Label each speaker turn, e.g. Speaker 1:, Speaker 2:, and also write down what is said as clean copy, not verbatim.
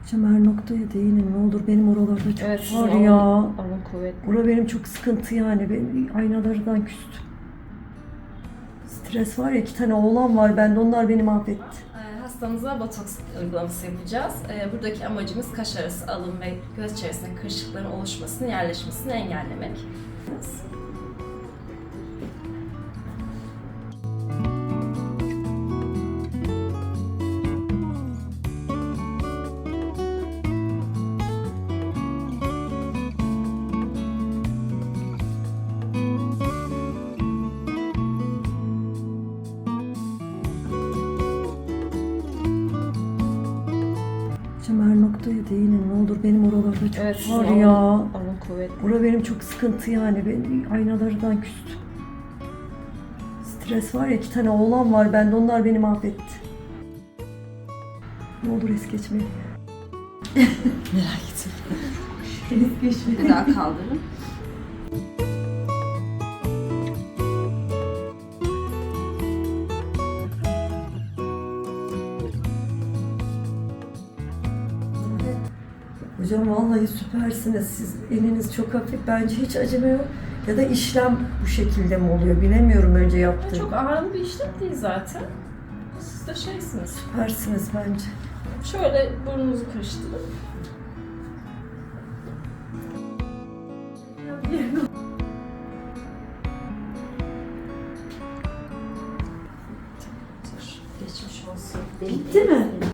Speaker 1: Hocam her noktaya değinin ne olur, benim oralarda çok
Speaker 2: Evet,
Speaker 1: var ya.
Speaker 2: alın kuvvetli.
Speaker 1: Bura benim çok sıkıntı yani, ben aynalardan küstüm. Stres var ya, 2 tane oğlan var bende, onlar beni mahvetti.
Speaker 2: Hastamıza botoks uygulaması yapacağız. Buradaki amacımız kaş arası alın ve göz içerisinde kırışıkların oluşmasını, yerleşmesini engellemek.
Speaker 1: Hocam her noktaya değinin ne olur, benim oralarda çok
Speaker 2: Evet,
Speaker 1: var ya.
Speaker 2: alın kuvvetli.
Speaker 1: Bura benim çok sıkıntı yani, ben aynalardan küstüm. Stres var ya, 2 tane oğlan var bende, onlar beni mahvetti. Ne olur es geçmeyin.
Speaker 2: Merak etme.
Speaker 1: Es geçmeyin.
Speaker 2: Bir daha kaldırın.
Speaker 1: Hocam vallahi süpersiniz. Siz eliniz çok hafif. Bence hiç acımıyor. Ya da işlem bu şekilde mi oluyor? Bilemiyorum önce yaptığım.
Speaker 2: Çok ağırlı bir işlem değil zaten. Siz de şeysiniz.
Speaker 1: Süpersiniz bence.
Speaker 2: Şöyle burnunuzu karıştırın. Geçmiş olsun.
Speaker 1: Bitti mi?